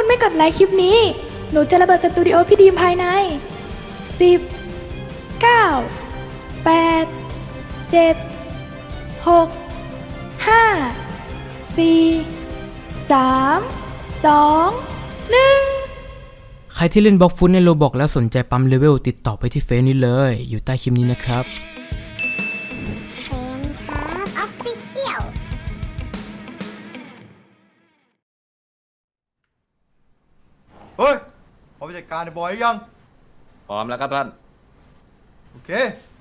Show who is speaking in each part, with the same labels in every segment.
Speaker 1: คุณไม่กดไลค์คลิปนี้ หนูจะระเบิดสตูดิโอพี่ดีมภายใน10 9 8 7 6 5 4 3 2 1
Speaker 2: ใครที่เล่นบล็อกฟุตในโรบอกแล้วสนใจปั๊มเลเวลติดต่อไปที่เฟซนี้เลยอยู่ใต้คลิปนี้นะครับ
Speaker 3: เซนครับออฟฟิเชียล
Speaker 4: เฮ้ยพร้อมจัดการไอ้บอยยัง
Speaker 5: พร้อมแล้วครับท่าน
Speaker 4: โอเค ไป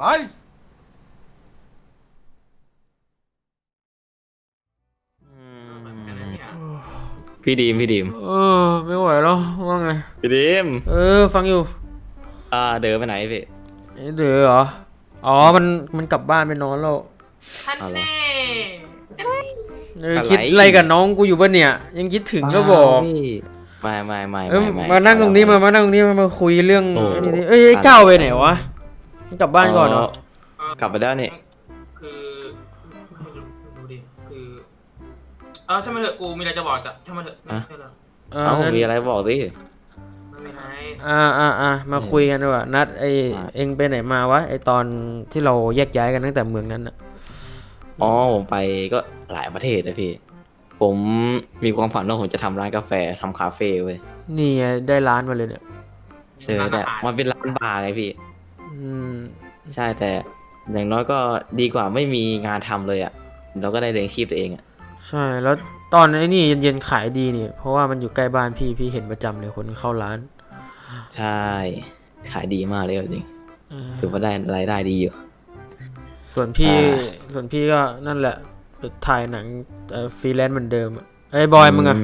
Speaker 5: พี่ดีม
Speaker 2: ไม่ไหวแล้วว่าไง
Speaker 5: พี่ดีม
Speaker 2: ฟังอยู่
Speaker 5: เดินไปไหนพี่
Speaker 2: เดี๋ยวเหรออ๋อมันกลับบ้านไปนอนแล้ว
Speaker 6: ท่านแน่
Speaker 2: คิดอะไรกับน้องกูอยู่ป่ะเนี่ยยังคิดถึงก็บอก
Speaker 5: พี่ไม่
Speaker 2: มานั่งตรงนี้มานั่งตรงนี้มาคุยเรื่อง
Speaker 5: โอ้
Speaker 2: ไอ้นี่ไอ้เก้าไปไหนวะมันกลับบ้านก่อนเหรอ
Speaker 5: กลับไปแล้วนี่
Speaker 6: คือดูดิคือช่างมันเถอะกูมีอะไรจะบอกแต่ช่างมันเถอะไม่เป็นไร
Speaker 5: มีอะไรบอกสิ
Speaker 6: ไม่เป็นไร
Speaker 2: มาคุยกันดีกว่านัดเองไปไหนมาวะไอตอนที่เราแยกย้ายกันตั้งแต่เมืองนั้นอะ
Speaker 5: อ๋อผมไปก็หลายประเทศนะพี่ผมมีความฝันว่าผมจะทำร้านกาแฟทำคาเฟ่เว้ย
Speaker 2: นี่ไงได้ร้านมาเลยเนี่ย
Speaker 5: แต่มันเป็นร้านบาร์ไงพี่
Speaker 2: อืม
Speaker 5: ใช่แต่อย่างน้อยก็ดีกว่าไม่มีงานทำเลยอ่ะเราก็ได้เลี้ยงชีพตัวเองอ่ะ
Speaker 2: ใช่แล้วตอนไอ้นี่เย็นๆขายดีนี่เพราะว่ามันอยู่ใกล้บ้านพี่เห็นประจำเลยคนเข้าร้าน
Speaker 5: ใช่ขายดีมากเลยจริง
Speaker 2: เออ
Speaker 5: ถือว่าได้รายได้ดีอยู่
Speaker 2: ส่วนพี่
Speaker 5: อ่า
Speaker 2: ส่วนพี่ก็นั่นแหละไปถ่ายหนังฟรีแลนซ์เหมือนเดิมอะไอ้บอยมึงอะ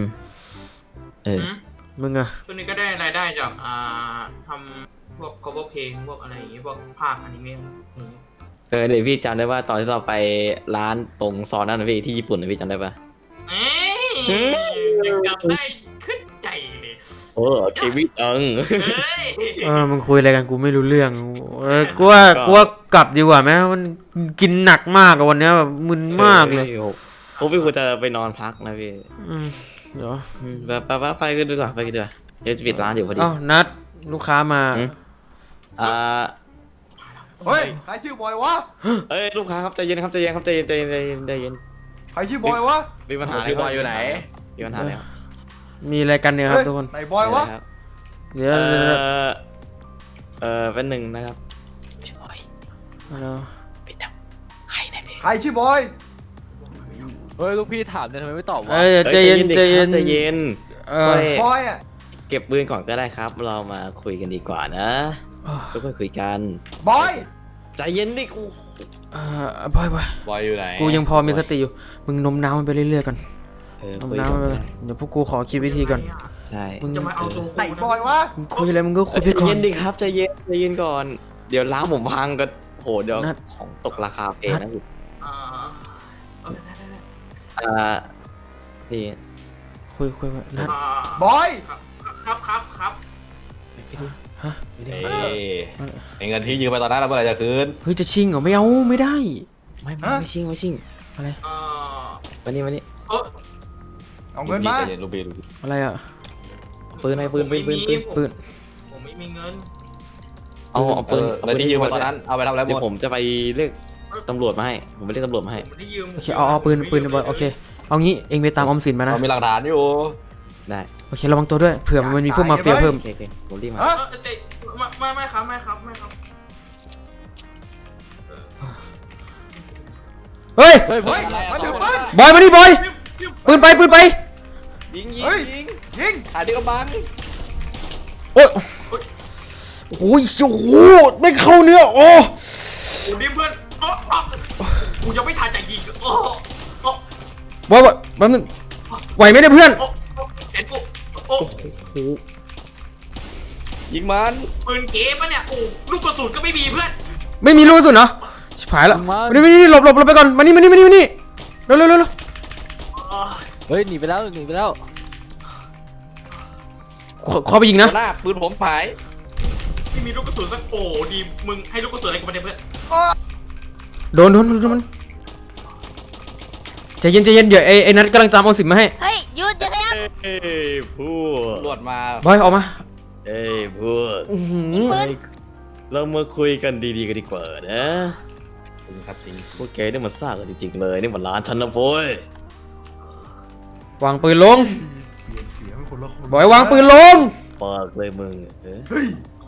Speaker 2: มึงอะ
Speaker 6: ช่วงนี้ก็ได้รายได้จากทำพวก cover เพลงพวกอะไรอย่างเงี้ยพวกภาคอนิเมะอย่างเงี้ย
Speaker 5: เดี๋ยวพี่จำได้ว่าตอนที่เราไปร้านตรงซอยนั้นนะพี่ที่ญี่ปุ่นนะพี่จำได้ปะ
Speaker 6: เอ้ยยังจำได้ขึ้นใจเลย
Speaker 5: โอ้เควิตเอิง
Speaker 6: เฮ้ย
Speaker 2: มึงคุยอะไรกันกูไม่รู้เรื่องกูว่ากลับดีกว่าไหมมันกินหนักมากอะวันเนี้ยแบบมึนมากเลย
Speaker 5: โอ้พี่ควรจะไปนอนพักนะพี่
Speaker 2: เดี๋ยว
Speaker 5: ไปกันดีกว่าเดี๋ยวจะปิดร้านอยู่พอดี
Speaker 2: เอ้านัดลูกค้ามา
Speaker 5: อ่า
Speaker 4: เฮ้ย ใครชื่อบอยวะ
Speaker 5: เอ้ยลูกค้าครับใจเย็นครับใจเย็น
Speaker 4: ใครชื่อบอยวะ
Speaker 5: มีปัญหาอะไรบอยอยู่ไหนมีปัญหาอะไรครับ
Speaker 2: มีอะไรกันเนี่ยครับ
Speaker 4: เฮ้ย
Speaker 2: ทุกคน
Speaker 4: ไหนบอยวะ
Speaker 5: ครับ
Speaker 2: เดี๋ยว
Speaker 5: เป็นหนึ่งนะครับชื่อบอย
Speaker 2: เดี๋ยว
Speaker 5: ไปทำใครนะพี่
Speaker 4: ใครชื่อบอย
Speaker 7: เฮ้ยลูกพี่ถามเนี่ยทำไมไม่ตอบวะ
Speaker 2: ใจเย็น
Speaker 5: ใจเย็น
Speaker 2: ค่อย
Speaker 4: บอยอ่ะ
Speaker 5: เก็บปืนก่อนก็ได้ครับ เรามาคุยกันดีกว่านะค่อยๆคุยกัน
Speaker 4: บอย
Speaker 5: ใจเย็นดิกู
Speaker 2: บอย
Speaker 7: บอยอยู่ไหน
Speaker 2: กูยังพอมีสติอยู่มึงนมน้ำมันไปเรื่อยๆก่อนนม
Speaker 5: คุย
Speaker 2: น้ำ
Speaker 5: กั
Speaker 2: มัน
Speaker 5: น
Speaker 2: ไปเลยเดี๋ยวพวกกูขอคิดวิธีก่อน
Speaker 5: ใช่
Speaker 2: มึง
Speaker 6: จะมาเอาตัว
Speaker 4: ไหนบอยวะ
Speaker 2: มึงคุยอะไรมึงก็คุย
Speaker 5: ใจ
Speaker 2: ไปก่อน
Speaker 5: เย็นดิครับใจเย็นก่อน เดี๋ยวร้านผมพังก็โหเดี๋ยว
Speaker 2: นัด
Speaker 5: ของตกราคาเพลงนะพี่
Speaker 6: ได้
Speaker 5: พี่
Speaker 2: คุยนัด
Speaker 4: บอย
Speaker 6: ครับ
Speaker 2: ฮะ
Speaker 7: เอ้ยไอ้เงินที่ยืมไปตอนนั้นเราเมื่อไหร่จะคืน
Speaker 2: เฮ้ยจะชิงเหรอไม่เอาไม่ได้
Speaker 5: ไม่ชิงวันนี้
Speaker 4: เอาเงินมา
Speaker 7: ใจย็ลูกพี่ลูกพี่
Speaker 2: อะไรอะ
Speaker 5: ปืน
Speaker 2: ปืน
Speaker 6: ผมไม่มีเงิน
Speaker 5: เอาปืน
Speaker 7: แล้วที่ยืมไปตอนนั้นเอาไปทำอะไรหม
Speaker 5: เดี๋ยว
Speaker 7: ด
Speaker 5: ผมจะไปเรียกตำรวจมาให้ผมไปเรียกตำรวจมาให้
Speaker 6: ผมไม่ได้ยืม
Speaker 2: โอเคเอาปืนบอยโอเคเอางี้เองไปตามออมสินมานะ
Speaker 7: เรามีหลักฐานอยู่
Speaker 5: ได้
Speaker 2: โอเคระวังตัวด้วยเผื่อมันมีพวกมาเฟียเพิ่ม
Speaker 5: โอเคผมรีบมา
Speaker 4: ฮะ
Speaker 6: ไม่ครับ
Speaker 2: เฮ้ย
Speaker 7: เฮ้ย
Speaker 4: เฮ้ยมาถือปืน
Speaker 2: บอยมาดิบอยปืนไป
Speaker 7: ยิง
Speaker 4: เฮ้ย ยิง
Speaker 7: ถ่ายที่กำบัง
Speaker 2: โอ้ยโอ้ยโอ้โหไม่เข้าเนื้อโอ้
Speaker 6: กูดิเพื่อนกูยังไม่ทันจะยิง
Speaker 2: บอยแป๊บนึงไหวไหมเนี่ยเพื่อน
Speaker 6: เห็นกู
Speaker 7: ยิงมัน
Speaker 6: ปืนเก๋ปะเนี่ยลูกกระสุนก็ไม่มีเพื่อน
Speaker 2: ไม่มีลูกกระสุนเหรอชิบหายแล้วไม่หลบไปก่อนมานี่เร็วเร็ว
Speaker 7: เฮ้ยหนีไปแล้ว
Speaker 2: ขอไปยิงนะ
Speaker 7: หน้าปืนผมหาย
Speaker 6: ไม่มีลูกกระสุนสักดีมึงให้ลูกกระสุนอะไรกูมาเนี่ยเพื่อน
Speaker 2: โดนมันใจเย็นเดี๋ยวไอ้นัทกำลังตามเอาสิบมาให้
Speaker 3: เฮ้ย ห
Speaker 8: หยุดอย่าขยับ
Speaker 5: เอ้ยพวก
Speaker 7: ตำรวจมา
Speaker 2: บอยออกมา
Speaker 5: เอ้ยพวก
Speaker 2: อื้อหือ
Speaker 8: ปืน
Speaker 5: เรามาคุยกันดีๆกันดีกว่านะ
Speaker 7: จริงครับจริง
Speaker 5: พวกแกนี่มันซ่ากันจริงๆเลยนี่มันร้านฉันนะโว้ยว
Speaker 2: างปืนลง
Speaker 4: เปลี่ยนเสียงเป็นคนละคน
Speaker 2: บอยวางปืนลง
Speaker 5: ปากเลยมึงเอ้ย
Speaker 4: เฮ้ยว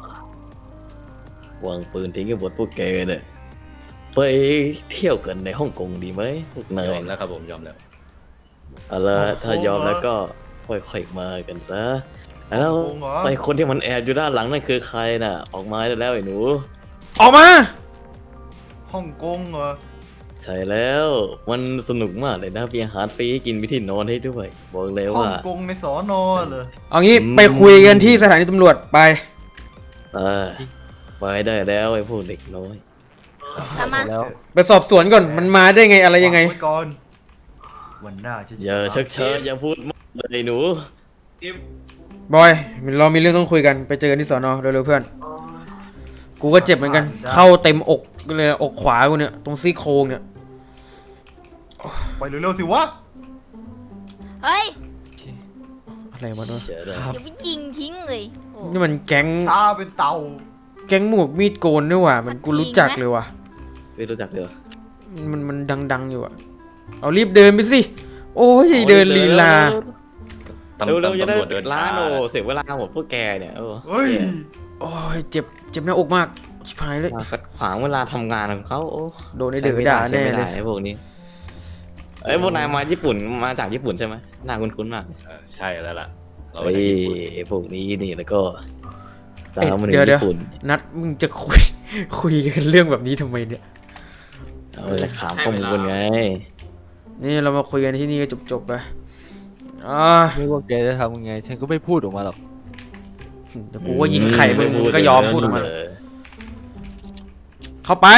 Speaker 5: างปืนทิ้งกันหมดพวกแกเนี่ยไปเที่ยวกันในฮ่องกงดีไหมพวกนาย
Speaker 7: ยอมแล้วครับผมยอมแล้ว
Speaker 5: เอาละถ้ายอมแล้วก็ค่อยๆมากันซะแล้ว
Speaker 4: โกงเหรอ
Speaker 5: ไอ้คนที่มันแอบอยู่ด้านหลังนั่นคือใครน่ะ ออกมาได้แล้วไอ้หนู
Speaker 2: ออกมา
Speaker 4: ฮ่องกงเหรอ
Speaker 5: ใช่แล้วมันสนุกมากเลยนะมีอาหารฟรีให้กินมีที่นอนให้ด้วย บอกเลย
Speaker 4: ฮ่อ
Speaker 5: ว่า
Speaker 4: งกงในสอนอเหรอ
Speaker 2: เอางี้ไปคุยกันที่สถานีตำรวจไป
Speaker 5: เออไปได้แล้วไอ้พวกเด็กน้อย
Speaker 8: ตามมา
Speaker 2: ไปสอบสวนก่อนมันมาได้ไงอะไรยังไง
Speaker 4: ฝากว้ก่อนวันหน้าฉันจะ
Speaker 5: อย่าชักช้าอย่าพูดมากเลยไอ้หนู
Speaker 6: ทีม
Speaker 2: บอยเรามีเรื่องต้องคุยกันไปเจอกันที่สอนอเร็วๆเพื่อน
Speaker 6: อ๋อ
Speaker 2: กูก็เจ็บเหมือนกัน เข้าเต็มอกเลยอกขวากูเนี่ยตรงซี่โครงเนี่ย
Speaker 4: ไปเร็วๆสิวะ
Speaker 8: เฮ้ย
Speaker 2: อะไรวะเนี่ย
Speaker 5: เจ๋อเลย
Speaker 8: อย่าไปยิงทิ้งเลยโอ้
Speaker 2: นี่มันแก๊ง
Speaker 4: ช้าเป็นเต่า
Speaker 2: แก๊งหมวกมีดโกนด้วยว่ะมันกูรู้จักเลยว่ะ
Speaker 5: ไม่รู้จักเด้อ
Speaker 2: มันดังๆอยู่อะเอารีบเดินไปสิโอ้ยเดินลีลา
Speaker 7: ตำ
Speaker 5: เร็วๆจะได้
Speaker 7: ตำรวจเดิน
Speaker 5: ร้า
Speaker 7: ช้าน
Speaker 5: โอ้เสียเวลาหมดพวกแกเนี่ยเออ
Speaker 4: เฮ้ย
Speaker 2: โอ้ยเจ็บหน้าอกมากชิบหายเลย
Speaker 5: มาขัดขวางเวลาทำงานของเขาโอ้
Speaker 2: โดนไอ้เดือด่า
Speaker 5: ใช้
Speaker 2: แน่
Speaker 5: ไม่
Speaker 2: เล
Speaker 5: ได้
Speaker 2: ย
Speaker 5: ไอ้พวกนี้เอ้ยพวกนายมาญี่ปุ่นมาจากญี่ปุ่นใช่ไหมหน้าคุ้นๆมาก
Speaker 7: ใช่แล้วล่ะเรา
Speaker 5: เฮ้
Speaker 7: ไป
Speaker 5: ย
Speaker 7: ที่ญี่ปุ่น
Speaker 5: พวกนี้นี่แล้วก็
Speaker 2: เอ้ย
Speaker 5: ตามมาถึง
Speaker 2: เดี๋ยว
Speaker 5: ญี่ปุ่น
Speaker 2: นัดมึงจะคุยกันเรื่องแบบนี้ทำไมเนี่ย
Speaker 5: เอาจะถามข้อมูลไง
Speaker 2: นี่เรามาคุยกันที่นี่ก็จบๆไป
Speaker 9: ไม่ว่าแกจะทำยังไง ฉันก็ไม่พูดออกมาหรอก
Speaker 2: เดี๋ยวกูก็ยิงไข่มึงก็ยอมพูดออกมา
Speaker 5: เออ
Speaker 2: เข้าไป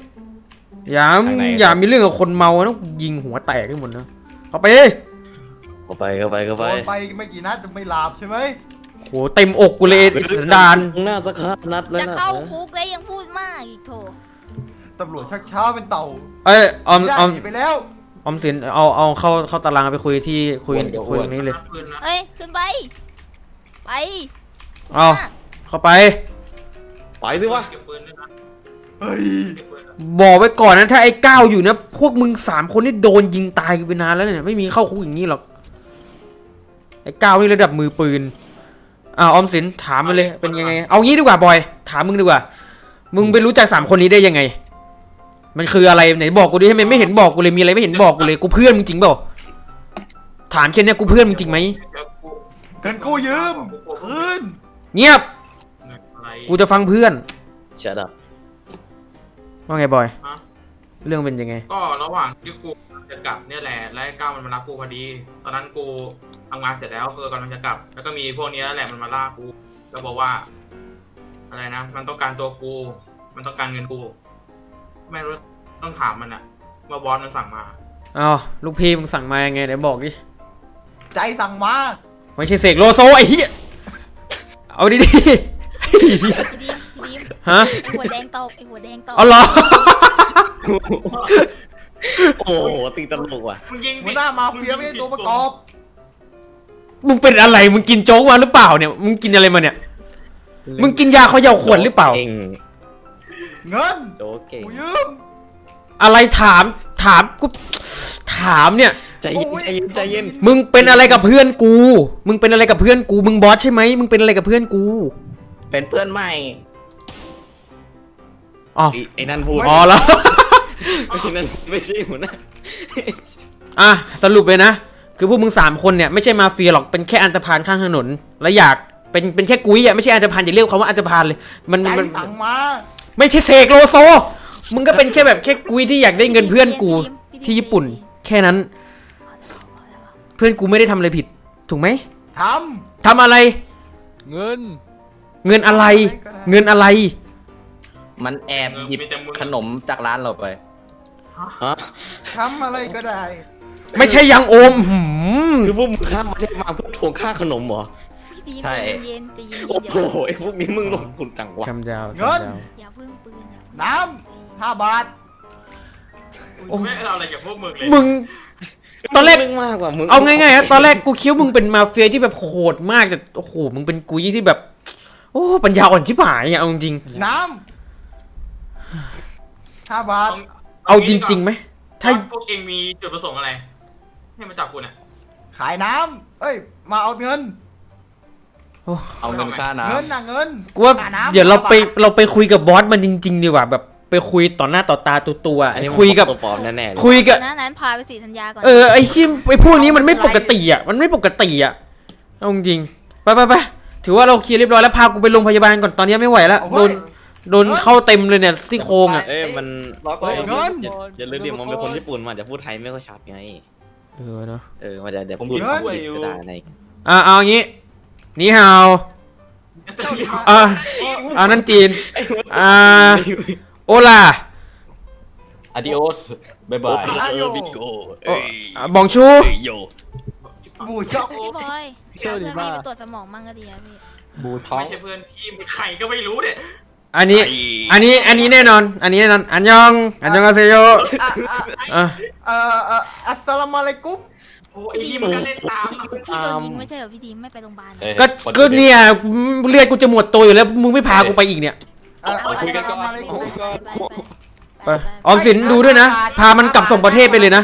Speaker 2: อย่ามีเรื่องกับคนเมานะยิงหัวแตกให้หมดนะเข้าไป
Speaker 5: เข้าไปเข้าไปเข้า
Speaker 4: โด
Speaker 5: ไป
Speaker 4: นไปไม่กี่นัดจะไม่หลาบใช่ไหม
Speaker 2: โหเต็มอกกูเลยไอ้สันดาน
Speaker 5: หน้าสักครั้งนัดเลย
Speaker 8: จะ
Speaker 5: นะ
Speaker 8: เข้าคุกแล้วยังพูดมากอีกโถ
Speaker 4: ตำรวจชักช้าเป็นเต่า
Speaker 2: เอ้ยออม
Speaker 4: ได้
Speaker 2: ออม
Speaker 4: หนีไปแล้ว
Speaker 2: ออมสินเอาเข้าตารางไปคุยที่คุยตรงนี้เลย
Speaker 6: นัดปืนนะ
Speaker 8: เฮ้ย ขึ้นไป ไป
Speaker 2: เอา
Speaker 8: มาก
Speaker 2: เข้าไป
Speaker 5: ไปสิวะ
Speaker 6: เก็บปืนด้วยนะ
Speaker 4: เฮ้ย
Speaker 6: เก็บปืนนะ
Speaker 2: บอกไว้ก่อนนะถ้าไอ้ก้าวอยู่นะพวกมึง3 คนนี่โดนยิงตายกันไปนานแล้วเนี่ยไม่มีเข้าคุกอย่างนี้หรอกไอ้ก้าวนี่ระดับมือปืนออมสินถามมาเลยเป็นยังไงเอางี้ดีกว่าบอยถามมึงดีกว่ามึงไปรู้จัก3 คนนี้ได้ยังไง มันคืออะไรไหนบอกกูดิทำไมไม่เห็นบอกกูเลยมีอะไรไม่เห็นบอกกูเลยกูเพื่อนมึงจริงเปล่าถามแค่เนี้ยกูเพื่อนมึงจริงไหม
Speaker 6: เดี๋ยวกู
Speaker 4: เงินกู้ยืมคืน
Speaker 2: เงียบ
Speaker 6: เงินอะไร
Speaker 2: กูจะฟังเพื่อน
Speaker 5: ชัดอ่ะ
Speaker 2: ว่าไงบอย
Speaker 6: ฮะ
Speaker 2: เรื่องเป็นยังไง
Speaker 6: ก็ระหว่างที่กูจะกลับเนี่ยแหละแล้วไอ้ก้าวมันมารับกูพอดี ตอนนั้นกูทำงานเสร็จแล้วคือกำลังจะกลับ แล้วก็มีพวกเนี้ยแหละมันมาล่ากูแล้วบอกว่า อะไรนะ มันต้องการตัวกู มันต้องการเงินกู ไม่รู้ต้องถามมันอะว่าบอสมันสั่งมา
Speaker 2: เอาลูกพี่มึงสั่งมายังไงไหนบอกดิ
Speaker 4: ใจสั่งมา
Speaker 2: ไม่ใช่เสกโลโซไอ้เหี้ยเอาดี
Speaker 8: พี่ดีมพี่ดีม
Speaker 2: ๆฮะ
Speaker 8: ไอหัวแดงตกไอหัวแดงตก
Speaker 2: เอาเหรอ
Speaker 5: โอ้โหตีตลกว่ะ
Speaker 6: มึงยิง
Speaker 4: หัวหน้ามาเฟียไม่ใช่ตัวประกอบ
Speaker 2: มึงเป็นอะไรมึงกินโจ๊กมาหรือเปล่าเนี่ยมึงกินอะไรมาเนี่ยมึงกินยาเขย่าขวดหรือเปล่า
Speaker 5: ก่ง
Speaker 4: เงิน
Speaker 5: โจ๊กเก่ง
Speaker 4: กูยืม
Speaker 2: อะไรถามกูถามเนี่ย
Speaker 5: ใจเย็นใจเย็นใจเย็น
Speaker 2: มึงเป็นอะไรกับเพื่อนกู มึงเป็นอะไรกับเพื่อนกู มึงบอสใช่ไหมมึงเป็นอะไรกับเพื่อนกู
Speaker 7: เป็นเพื่อนใหม่
Speaker 2: อ๋อ
Speaker 5: ไอ้นั่นพูด
Speaker 2: อ๋อแล้ว
Speaker 5: ไอ้นั่นไม่ใช่หัวหน้า
Speaker 2: อ่ะสรุปเลยนะ คือพวกมึง3 คนเนี่ยไม่ใช่มาเฟียหรอกเป็นแค่อันธพาลข้างถนนและอยากเป็นแค่กุ้ยอ่ะไม่ใช่อันธพาลอย่าเรียกเขาว่าอันธพาลเลยมัน
Speaker 4: ใจ
Speaker 2: มัน
Speaker 4: สั่งมา
Speaker 2: ไม่ใช่เสกโลโซ มึงก็เป็นแค่แบบแค่กุ้ยที่อยากได้เงินเพื่อนกูที่ญี่ปุ่น แค่นั้น เพื่อนกูไม่ได้ทำอะไรผิด ถูกไหม
Speaker 4: ท
Speaker 2: ทำอะไร
Speaker 9: เงิน
Speaker 2: เงินอะไร เงินอะไร
Speaker 7: มันแอบหยิบ
Speaker 6: มีแต่มึง
Speaker 7: ขนมจากร้านเราไป
Speaker 5: ฮะ
Speaker 4: ำทำอะไรก็ได้
Speaker 2: ไม่ใช่ยังโอม
Speaker 5: คือพวกมึงข้ามประเทศมาเพื่อทวงค่าขนมเหรอ
Speaker 8: พี่ดีม
Speaker 7: ใช่
Speaker 8: ใจเย็นใจเย็น
Speaker 5: โอ้
Speaker 8: อย่า
Speaker 5: โหไอ้พวกนี้มึงลงทุนจังวะ
Speaker 2: คำดาว
Speaker 4: เงิน
Speaker 8: อย่าเพิ่งปืนอย่าเพิ่ง
Speaker 4: น้ำ5 บาท
Speaker 6: กูไม่เอาอะไรจากพวกมึงเลย
Speaker 2: มึงตอนแรก
Speaker 5: เรื่องมากกว่ามึง
Speaker 2: เอาง่ายๆครับตอนแรกกูคิดว่ามึงเป็นมาเฟียที่แบบโหดมากแต่โอ้โหมึงเป็นกุยที่แบบ โอ้ปัญญาอ่อนชิบหายอ่ะเอาจริง
Speaker 4: น้ำ5 บาท
Speaker 2: ๆเอาจริงๆไหมถ้า
Speaker 6: พวกเองมีจุดประสงค์อะไร ให้มาจับกูเนี่ย
Speaker 4: ขายน้ำเอ้ย มาเอาเงิน
Speaker 7: เอาเงินค่าน้
Speaker 4: เงินน่ะเงิน
Speaker 2: กูว่า
Speaker 4: ค่น้ำ
Speaker 2: เดี๋ยวเราไป
Speaker 4: 5 บท
Speaker 2: เราไปคุยกับบอสมันจริงๆดีกว่าแบบไปคุยต่อหน้าต่อตาตัวๆ
Speaker 5: อันนี้
Speaker 2: คุยกับ
Speaker 5: ตัวปลอมแน่ๆเลย
Speaker 2: คุยกับ
Speaker 8: นะนั้นพาไปสีธัญญาก่อน
Speaker 2: ไอชิมไอพวกนี้มันไม่ปกติอ่ะมันไม่ปกติอ่ะเอาจริงๆไปถือว่าเราเคลียร์เรียบร้อยแล้วพากูไปโรงพยาบาลก่อนตอนนี้ไม่ไหวแล้ว
Speaker 4: โอ้ย
Speaker 2: โดนเข้าเต็มเลยเนี่ยซี่โครงอ่ะ
Speaker 5: เอ้ยมัน
Speaker 7: ำล็อกไว้
Speaker 4: เงิน
Speaker 5: อย่าลืมดิมันเป็นคนญี่ปุ่นมันอาจจะพูดไทยไม่ค่อยชัดไง
Speaker 2: เนาะ
Speaker 5: มันจะเดี๋ยว
Speaker 7: ผม
Speaker 5: พูด
Speaker 7: ช่วยอยู่
Speaker 5: ก็ได้ใน
Speaker 2: เอาอย่างงี้นี่ฮาวนั่นจีนโอลา
Speaker 7: อาดิโอสบายบาย
Speaker 4: อาโย
Speaker 2: บองชู
Speaker 4: หมูช็อก
Speaker 8: พี่บอยเพื่อนพี่ไปตรวจสมองมั่งก็ดีอะพี่
Speaker 7: บูท้อง
Speaker 6: ไม่ใช่เพื่อนพี่เป็นใครก็ไม่รู้เนี่ย
Speaker 2: อันนี้แน่นอนอันยองอาเซโยอ่ะ
Speaker 4: อัสสลามุอะลัยกุม
Speaker 6: โอ้ไอ้นี่มันก็เล่นตาม
Speaker 8: พี่โดนยิงไม่ใช่เหรอพี่ดีมไม่ไปโรงพยาบาลเหรอ
Speaker 7: เอ้ย
Speaker 2: ก็เนี่ยเลือดกูจะหมดตัวอยู่แล้วมึงไม่พากูไปอีกเนี่ย
Speaker 7: คุยกันก่อน
Speaker 8: ไปไปไป
Speaker 2: ไปออมสินดูด้วยนะพามันกลับส่งประเทศไปเลยนะ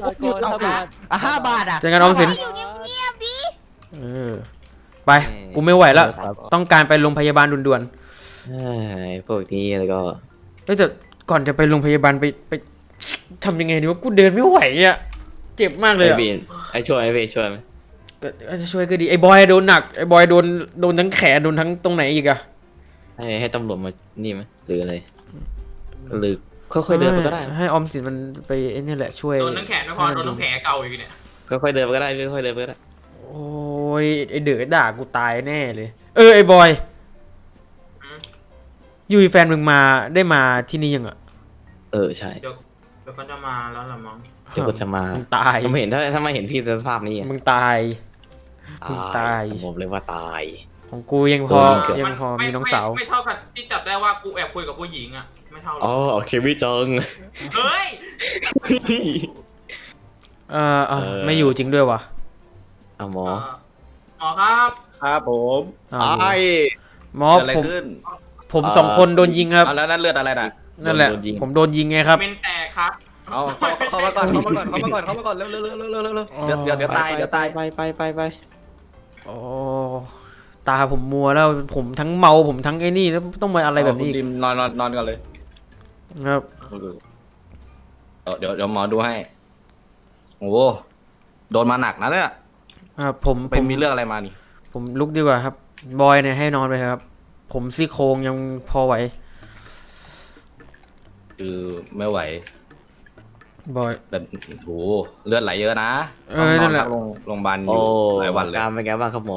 Speaker 4: 5 บาทอ่ะ
Speaker 2: เจอกันออมสิน
Speaker 8: อยู่เงียบๆดิ
Speaker 2: ไปกูไม่ไหวแล้วต้องการไปโรงพยาบาลด่วน
Speaker 5: พวกนี้แล้วก็
Speaker 2: ๆแต่ก่อนจะไปโรงพยาบาลไปทำยังไงดีวะกูเดินไม่ไหวอ่ะเจ็บมากเลย
Speaker 5: ไอ้
Speaker 2: อะ
Speaker 5: บีนไอ้ช่วยไหมพี่ช่วยไหม
Speaker 2: ก็จะช่วยก็ดีไอ้บอยโดนหนักไอ้บอยโดนทั้งแขนโดนทั้งตรงไหนอีกอะ
Speaker 5: ให้ตำรวจมานี่ไหมหรืออะไรหรือค่อยๆเดินไปก็ได้
Speaker 2: ให้ออมสินมันไปไอ้นี่แหละช่วย
Speaker 6: โดนทั้งแขนไม่พอโดนทั้งแผลเก่าอีกเนี่ย
Speaker 5: ค่อยๆเดินไปก็ได้พี่ค่อยๆเดินไปก็ได้
Speaker 2: โอ้ยไอ้เดือดด่ากูตายแน่เลยไอ้บอยยูแฟนมึงได้มาที่นี่ยังอะ
Speaker 5: ใช่
Speaker 6: เดี๋ยวก็จะมาแล้วละมั้ง
Speaker 5: เดี๋ยวก็จะมา
Speaker 2: มึงตาย
Speaker 5: ผมเห็นถ้าไม่เห็นพี่สภาพนี้
Speaker 2: มึงตาย มึงตาย
Speaker 5: ผมเลยว่าตาย
Speaker 2: ของกูยังพอ
Speaker 5: เกิด
Speaker 2: ยังพอมีน้องสาว
Speaker 6: ไม่เท่ากับที่จับได้ว่ากูแอบคุยกับผู้หญิงอ่ะไม่เท่าหร
Speaker 5: อ๋อ
Speaker 6: อก
Speaker 5: โอเคพี่จง
Speaker 6: เฮ้ย
Speaker 2: ไม่อยู่จริงด้วยวะ
Speaker 5: เอาหมอ
Speaker 6: หมอครับ
Speaker 7: ครับผม
Speaker 2: อ้าว
Speaker 7: ไอ้
Speaker 2: หมอ
Speaker 7: เกิดอะไร
Speaker 2: ผม
Speaker 7: ขึ้น
Speaker 2: ผมสองคนโดนยิงครับ
Speaker 7: แล้วนั่นเลือดอะไรน่ะ
Speaker 2: นั่นแหละ ผมโดนยิงไงครับ
Speaker 6: เป็นแต่ครับ
Speaker 7: เอาเข้ามาก่อนเข้ามาก่อนเร็วเดี๋ยวตาย
Speaker 5: ไป
Speaker 2: โอ้ตาผมมัวแล้วผมทั้งเมาผมทั้งไอ้นี่แล้วต้องมาอะไรแบบนี้อีก
Speaker 7: คุณดิมนอนกันเลย
Speaker 2: ครับ
Speaker 7: เดี๋ยวหมอดูให้โอ้โดนมาหนักนะเนี่ย
Speaker 2: ผม
Speaker 7: ไปมีเรื่องอะไรมานี่
Speaker 2: ผมลุกดีกว่าครับบอยเนี่ยให้นอนไปครับ ผมซี่โครงยังพอไหว
Speaker 7: คือไม่ไหว
Speaker 2: บอย
Speaker 7: แบบโหเลือดไหลเยอะนะ
Speaker 2: นั่นแหละ
Speaker 7: ต้องโรงพยาบาลอ
Speaker 5: โอ้
Speaker 7: ยู่หลายวันเลย
Speaker 5: การเป็นไงบ้างครับหมอ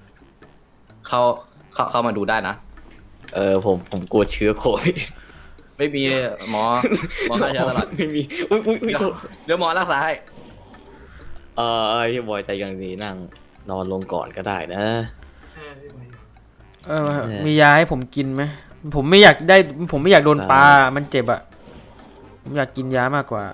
Speaker 7: เข้ามาดูได้นะ
Speaker 5: ผมกลัวเชื้อโควิด
Speaker 7: ไม่มีหมอฆ่าเชื้อตลอด
Speaker 5: ไม่มีอุ้ยโทษ
Speaker 7: เดี๋ยวหมอรักษาให้
Speaker 5: พี่บอยใจยังดีนั่งนอนลงก่อนก็ได้นะ
Speaker 2: มียาให้ผมกินไหมผมไม่อยากโดนปลามันเจ็บอ่ะผมอยากกินยามากกว่า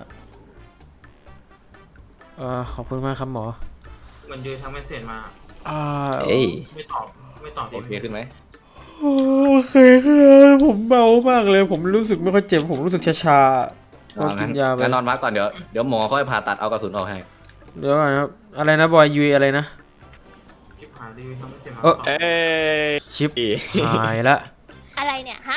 Speaker 2: ขอบคุณมากครับหมอ
Speaker 6: เหมือนยืนทำไม่เสร็จมา
Speaker 5: เอ้ย
Speaker 6: ไม่ตอบ
Speaker 7: โอเคขึ้นไหม
Speaker 2: โอเคครับผมเบามากเลย ผมรู้สึกไม่ค่อยเจ็บผมรู้สึกชาๆก็กินยาไป
Speaker 7: งั้นนอนพักก่อนเดี๋ยวหมอค่อยผ่าตัดเอากระสุนออกให้
Speaker 2: เดี๋ยวก่อนนะครับอะไรนะบอยยูอะไรนะ
Speaker 6: ชิบหายดิทำไม่เสร็จมา
Speaker 2: เอ้ย ชิปหายละ
Speaker 3: อะไรเนี่ยฮะ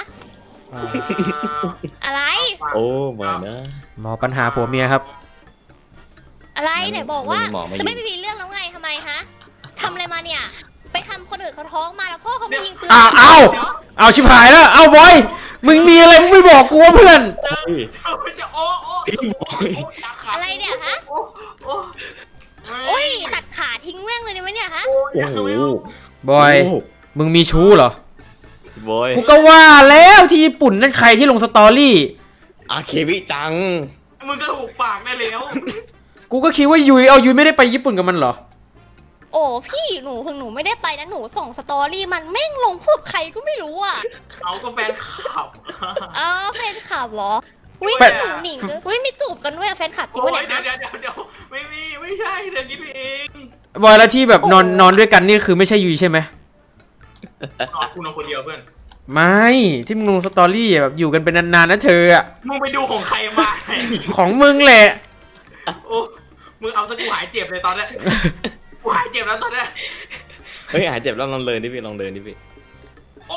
Speaker 3: อะไร
Speaker 5: โอ้มานะ
Speaker 2: หมอปัญหาผัวเมียครับ
Speaker 3: อะไรไหนบอกว่า
Speaker 7: หมอไม่
Speaker 3: จะไม่มีเรื่องแล้วไงทำไมฮะทำอะไรมาเนี่ย ไปทำคนอื่นเขาท้องมาแล้วพ่อเขาไม่ยิงปืน
Speaker 2: เอาชิบหายแล้วเอาบอยมึงมีอะไรมึงไม่บอกกูวะเพื่อน
Speaker 6: จะโอ้ยาขาด
Speaker 3: อะไรเนี่ยฮะ
Speaker 6: โอ้
Speaker 3: โอ้ยตัดขาทิ้งแม่งเลยเนี่ยเนี่ยฮะ
Speaker 5: โอ้โห
Speaker 2: บอยมึงมีชู้เหรอ
Speaker 5: บอย
Speaker 2: กูก็ว่าแล้วที่ญี่ปุ่นนั่นใครที่ลงสตอรี่
Speaker 5: อาเควิจัง
Speaker 6: มึงก็ถูกปากได้แล้ว
Speaker 2: กูก็คิดว่ายุยไม่ได้ไปญี่ปุ่นกับมันเหรอ
Speaker 3: โอ้พี่หนูไม่ได้ไปนะหนูส่งสตอรี่มันแม่งลงพวกใครก็ไม่รู้อ่ะ
Speaker 6: เอาก็แฟนขับ
Speaker 3: แฟนคลับเหรออุ้ย
Speaker 2: แฟน
Speaker 3: หนุ่มหนิงด้วยอุ้ยมีจูบกันด้วยอะแฟนคลับจริง
Speaker 6: โอ้
Speaker 3: ปะ
Speaker 6: ย
Speaker 3: เนี่ย
Speaker 6: เดี๋ยวไม่มีไม่ใช่เธอคิดไปเอง
Speaker 2: บอยแล้วที่แบบนอนด้วยกันนี่คือไม่ใช่ยุยใช่ไหม
Speaker 6: นอนกูนอนคนเดียวเพื่อน
Speaker 2: ไม่ที่มึงลงสตอรี่อะแบบอยู่กันเป็นนานๆนะเธออะ
Speaker 6: มึงไปดูของใครมา
Speaker 2: ของมึงแหละ
Speaker 6: โอ้มึงเอาซะกูหายเจ็บเลยตอนเนี้ยกูหายเจ็บแล้วตอนเนี้ย
Speaker 5: เฮ้ยหายเจ็บแล้วลองเดินดิพี่ลองเดินดิพี่
Speaker 6: โอ้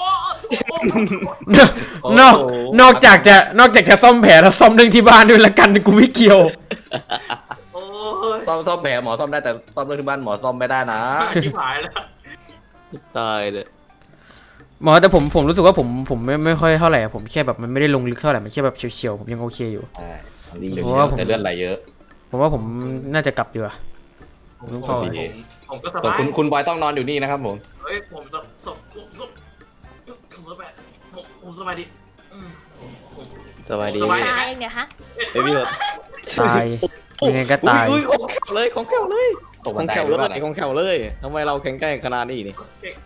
Speaker 2: นอกนอกจากจะซ่อมแผลแล้วซ่อมเรื่องที่บ้านด้วยละกันกูไม่เกี่ยว
Speaker 6: โอ้ย
Speaker 7: ซ่อมแผลหมอซ่อมได้แต่ซ่อมเรื่องที่บ้านหมอซ่อมไม่ได้นะ
Speaker 6: ชิบหายแล้ว
Speaker 5: ตายเลย
Speaker 2: หมอแต่ผมรู้สึกว่าผมไม่ค่อยเท่าไหร่อะผมแค่แบบมันไม่ได้ลงลึกเท่าไหร่มันแค่แบบเฉียวๆผมยังโอเคอยู่
Speaker 7: ใช่
Speaker 5: ดี
Speaker 2: เพราะว่าผม
Speaker 7: แต่เลือดไหลเยอะ
Speaker 2: ผมว่าผมน่าจะกลับดีกว่า
Speaker 6: ผมก็ส
Speaker 7: ส่วน
Speaker 6: บาย
Speaker 7: คุณบอยต้องนอนอยู่นี่นะครับผม
Speaker 6: เฮ้ยผมสบายผมสบายดี
Speaker 5: สบายดี
Speaker 6: สบาย
Speaker 5: พี่
Speaker 3: ตายเนี่ยฮะ
Speaker 5: เฮ้ยพี่รถ
Speaker 2: ตายยังไงก็ตาย
Speaker 5: อุ้ยของแข็งเลยของแข็งเลย
Speaker 7: ตก
Speaker 5: ข
Speaker 7: บั
Speaker 5: อน ง
Speaker 7: ได
Speaker 5: แข็ง
Speaker 7: หรือ
Speaker 5: เล
Speaker 7: เปล่าย
Speaker 5: ของแข็งเลยทำไมเราแข็งแกร่งขนาดนี้นี่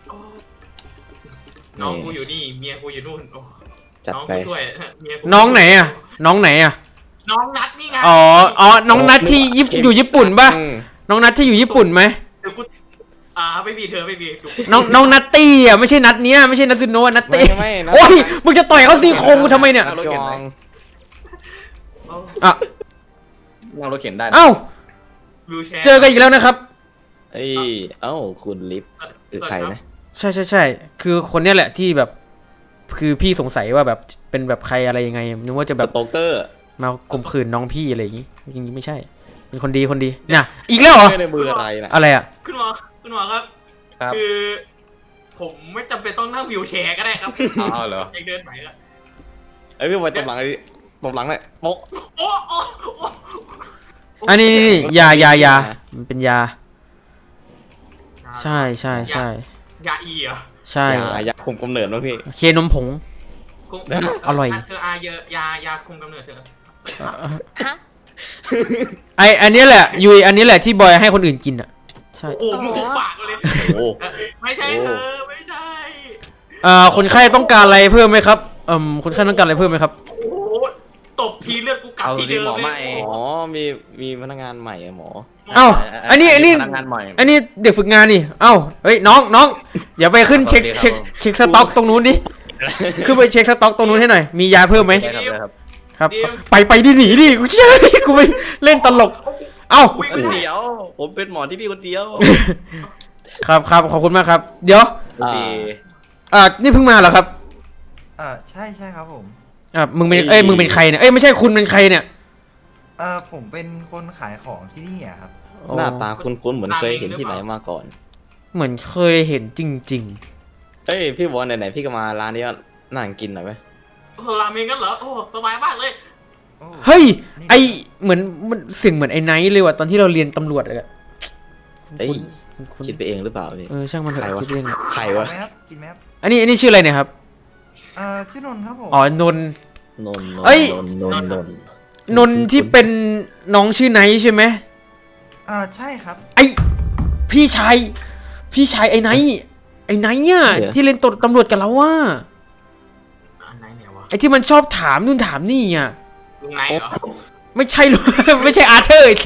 Speaker 6: น้องกูอยู่นี่เมียกูอยู่นู่นโอ้
Speaker 5: จัด
Speaker 6: น้อง
Speaker 5: ไป
Speaker 6: กูช่วยเมียกู
Speaker 2: น้องไหนอะน้องไหนอะ
Speaker 6: น้องนัดนี่ไง
Speaker 2: อ๋อน้องนัทที่อยู่ญี่ปุ่นป่ะ
Speaker 5: อืม
Speaker 2: น้องนัทที่อยู่ญี่ปุ่นไหม
Speaker 6: เดี๋ยวกูไม่มีเธอไม่มี
Speaker 2: น้องนัตตี้อะไม่ใช่นัทเนี้ยไม่ใช่นัทซุโนะนัต
Speaker 5: ไม่
Speaker 2: ตี้
Speaker 5: ไม่นะ
Speaker 2: โอ้ยมึงจะต่อยเขาซี่โครงกูทำไมเนี่ย
Speaker 5: จอง
Speaker 2: อ่ะ
Speaker 7: นั่งรถเข็นได้นะ
Speaker 2: เอ้า
Speaker 6: วิวแชร์
Speaker 2: เจอกันอีกแล้วนะครับ
Speaker 5: เอ้ยเอ้าคุณลิฟต์คือใครนะ
Speaker 2: ใช่คือคนเนี้ยแหละที่แบบคือพี่สงสัยว่าแบบเป็นแบบใครอะไรยังไงนึกว่าจะ
Speaker 5: ส
Speaker 2: แบบ
Speaker 5: โตเกอร์
Speaker 2: มาข่มขืนน้องพี่อะไรอย่างงี้จริงๆไม่ใช่ เป็นคนดีน่ะอีกแล้วเหรอ
Speaker 5: ไม่ได้มืออะไรนะ
Speaker 2: อะไรอะ
Speaker 6: คุณหมอครับ
Speaker 7: ครับ
Speaker 6: คือ ผมไม่จำเป็นต้องนั่งวิวแชร์ก็ได้ครับ
Speaker 7: อ้าวเหรอ
Speaker 6: เองเดินไหนอะ
Speaker 5: เอ้ยพี่บอยตบหลังเลยตบหลังเลยโป๊ะ
Speaker 6: โอ้โอ้
Speaker 2: อันนี้ยามันเป็นยาใช่
Speaker 6: ยาอีเหรอ
Speaker 2: ใช่
Speaker 5: อยากคุมกำเนิดมั้งพี่
Speaker 2: เคนมผง
Speaker 6: คุม
Speaker 2: อร่อย
Speaker 6: เธอเยอะยาคุมกำเนิดเธอ
Speaker 3: ฮะ
Speaker 2: อันนี้แหละยุยอันนี้แหละที่บอยให้คนอื่นกินอ่ะใช่
Speaker 6: โอ้มึงคุมปากเลย
Speaker 5: โอ้
Speaker 6: ไม่ใช่เธอไม่ใช่
Speaker 2: คนไข้ต้องการอะไรเพิ่มไหมครับคนไข้ต้องการอะไรเพิ่มไหมครับ
Speaker 6: โอ้โหตบทีเลือดกูกลับ
Speaker 7: เอา
Speaker 6: ที่
Speaker 7: ดิ
Speaker 6: เดิม
Speaker 7: หมอ
Speaker 6: เล
Speaker 7: ไม่
Speaker 6: ย
Speaker 5: อ๋อมีพนักงานใหม่อะหมอ
Speaker 2: เอ้าอันนี้
Speaker 7: พนักงานใหม่
Speaker 2: อันนี้เด็กฝึกงานนี่เอ้าเฮ้ยน้องอย่าไปขึ้นเช็คสต็อกตรงนู้นดิขึ้นไปเช็คสต็อกตรงนู้นให้หน่อยมียาเพิ่มไหม
Speaker 7: ได้ครับ
Speaker 2: ครับไปดิหนีดิกูเชื่อกูไปเล่นตลกเอ้า
Speaker 6: อุ้ย
Speaker 7: คนเดียว ผมเป็นหมอที่นี่คนเดียว
Speaker 2: ครับขอบคุณมากครับ เดี๋ยว
Speaker 7: ดี
Speaker 2: นี่เพิ่งมาเหรอครับ
Speaker 4: ใช่ครับผม
Speaker 2: มึงเป็นมึงเป็นใครเนี่ยไม่ใช่คุณเป็นใครเนี่ย
Speaker 4: ผมเป็นคนขายของที่นี่อะครับ
Speaker 5: หน้าตาคุ้นๆเหมือนเคยเห็นที่ไหนมาก่อน
Speaker 2: เหมือนเคยเห็นจริง
Speaker 5: เอ้ยพี่บอลไหนๆพี่ก็มาร้านนี้นั่งกินหน่อยไหม
Speaker 6: ราเมงกันเหรอโอ้สบายมากเลย
Speaker 2: ๆเฮ้ยเหมือนมันเสียงเหมือนไอ้ไนท์เลยว่ะตอนที่เราเรียนตำรวจเลยอะ
Speaker 5: เอ้ย
Speaker 2: คุณ
Speaker 5: คิดไปเองหรือเปล่าพี่
Speaker 2: ช่างมันเถ
Speaker 5: ใคร
Speaker 2: อะ
Speaker 5: วะ
Speaker 2: คิดเอง
Speaker 5: ใครวะ
Speaker 4: กินไหมครับกินไหมครับ
Speaker 2: อันนี้ชื่ออะไรเนี่ยครับ
Speaker 4: ชื่อนนท์ครับผม
Speaker 2: อ๋อนนท์
Speaker 5: นนท์
Speaker 2: เอ้ย
Speaker 5: นนท์
Speaker 2: ที่เป็นน้องชื่อไนท์ใช่ไหม
Speaker 4: ใช่ครับ
Speaker 2: พี่ชายไอ้ไนท์อ่ะที่เล่นตำรวจกับเราว่า
Speaker 6: อันไหนเนี่ยวะ
Speaker 2: ไอ้ที่มันชอบถามนู่นถามนี่อ่ะ
Speaker 6: ลุงไหนเหรอ
Speaker 2: ไม่ใช่หรอก ไม่ใช่อาร์เธอร์อีก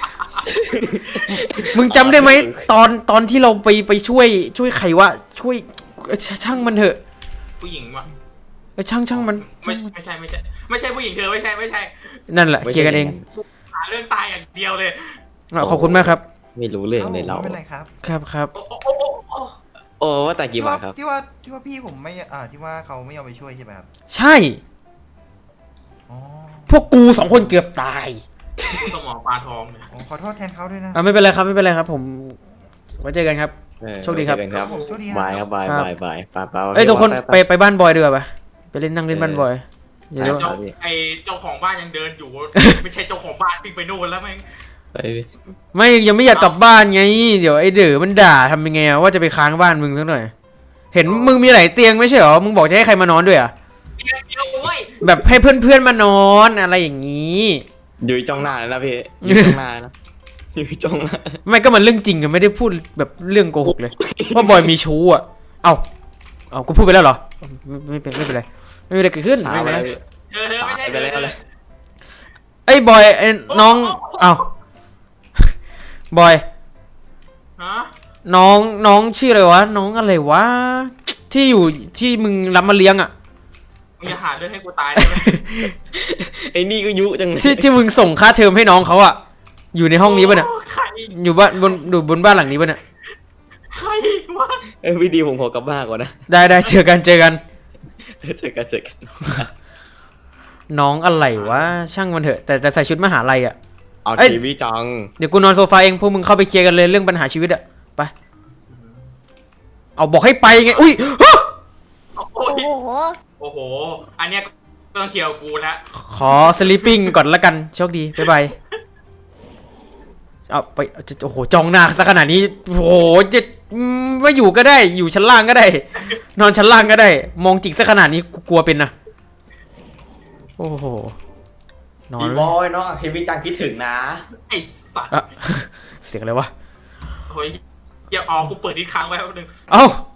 Speaker 2: มึงจำได้ไหมตอนที่เราไปช่วยใครวะช่วยช่างมันเถอะ
Speaker 6: ผู้หญิงวะ
Speaker 2: ช่างมัน
Speaker 6: ไม่ใช่ผู้หญิงเธอไม่ใช่
Speaker 2: นั่นแหละเคลียร์กันเอง
Speaker 6: หาเรื่องตายอย่างเดียวเลย
Speaker 2: ขอบคุณมากครับ
Speaker 5: ไม่รู้เรื่องเลยเรา
Speaker 4: ไม่เป็นไรครับ
Speaker 2: ครับ
Speaker 5: โอ้ว่าแต่กี่บาทครับ
Speaker 4: ที่ว่าพี่ผมไม่ที่ว่าเขาไม่ยอมไปช่วยใช่ไหมครับ
Speaker 2: ใช่
Speaker 4: อ๋อ
Speaker 2: พวกกู2 คนเกือบตาย
Speaker 6: สมองปลาทองเนี่ย
Speaker 4: ขอโทษแทนเขาด้วยนะ
Speaker 2: ไม่เป็นไรครับผมไว้เจอกันครับ โชคดีครับ
Speaker 5: เจอกันครับ
Speaker 4: ผมโชคดีครับ
Speaker 5: บายครับบาย
Speaker 2: ครับ
Speaker 5: บายบายป้า
Speaker 2: ทุกคนไปบ้านบอยดีกว่าปะไปนั่งเล่นบ้านบอยเดี๋ยว
Speaker 6: เจ้าของบ้านยังเดินอยู่ ไม่ใช่เจ้าของบ้านวิ่งไปนู่นแล้วแม่ง
Speaker 2: ไม่ยังไม่อยากกลับบ้านไงเดี๋ยวไอ้เด๋อมันด่าทำยังไงว่าจะไปค้างบ้านมึงสักหน่อย เห็นมึงมีหลายเตียงไม่ใช่เหรอมึงบอกจะให้ใครมานอนด้วยอ่ะ
Speaker 6: เดียวเว้ย
Speaker 2: แบบให้เพื่อนมานอนอะไรอย่างนี้
Speaker 5: อยู่จ้องหน้าเลยนะพี่อยู่จ้องหน้านะอยู่จ้องหน้า
Speaker 2: ไม่ก็มันเรื่องจริงกันไม่ได้พูดแบบเรื่องโกหกเลยว่าบอยมีชู้อ่ะเอากูพูดไปแล้วเหรอไม่เป็นไรไม่เป็นไรเกิดขึ้น
Speaker 5: สา
Speaker 2: ไม่
Speaker 5: ว
Speaker 2: เป็น
Speaker 5: แล้
Speaker 2: ไร
Speaker 5: วพี่
Speaker 6: เธอไม่ใช่
Speaker 5: ไปแล้วเลย
Speaker 2: ไอ้บอยไอ้น้องอ้าวบอย
Speaker 6: ฮะ
Speaker 2: น้องชื่ออะไรวะน้องอะไรวะที่อยู่ที่มึงรับมาเลี้ยงอ่ะ
Speaker 6: มึงจะหาเรื่องให้กูตายได้ไหม
Speaker 5: ไอ้นี่ก็ยุจังเลย
Speaker 2: ที่มึงส่งค่าเทอมให้น้องเขาอ่ะอยู่ในห้องนี้ป่ะเนี่ย
Speaker 6: โใคร
Speaker 2: อยู่บ้านบนบ้านหลังนี้ป่ะเนี่ย
Speaker 6: ใครวะ
Speaker 5: พี่ดีผมขอกลับบ้านก่อนนะ
Speaker 2: ได้เจอกัน
Speaker 5: เจอกัน
Speaker 2: น้องอะไรวะช่างมันเถอะแต่ใส่ชุดมหาลัยอ่ะ
Speaker 5: เอา
Speaker 2: เอ้ย
Speaker 5: ทีวีจัง
Speaker 2: เดี๋ยวกูนอนโซฟาเองพวกมึงเข้าไปเคลียร์กันเลยเรื่องปัญหาชีวิตอ่ะไปเอาบอกให้ไปไงอุ้ยฮะ
Speaker 6: โอ้
Speaker 3: โอ้
Speaker 6: ย
Speaker 3: โห
Speaker 6: โอ้โห อันเนี้ยก็ต้องเกี่ยวกูแล้ว
Speaker 2: ขอสลิปปิ้งก่อนละกันโชคดีบ๊ายบายเอาไปโอ้โหจ้องหน้าซะขนาดนี้โอ้โหจะไม่อยู่ก็ได้อยู่ชั้นล่างก็ได้ นอนชั้นล่างก็ได้ มองจิกซะขนาดนี้กูกลัวเป็นนะโอ้โหนอน
Speaker 5: ดีบอยเนาะทีวีจังคิดถึงนะ
Speaker 6: ไอ้สัตว์
Speaker 2: อะ เสียงอะไรวะ
Speaker 6: โอ้ยอย่าออกกูเปิดอีกครั้งไว้แป๊บนึง
Speaker 2: เอ้า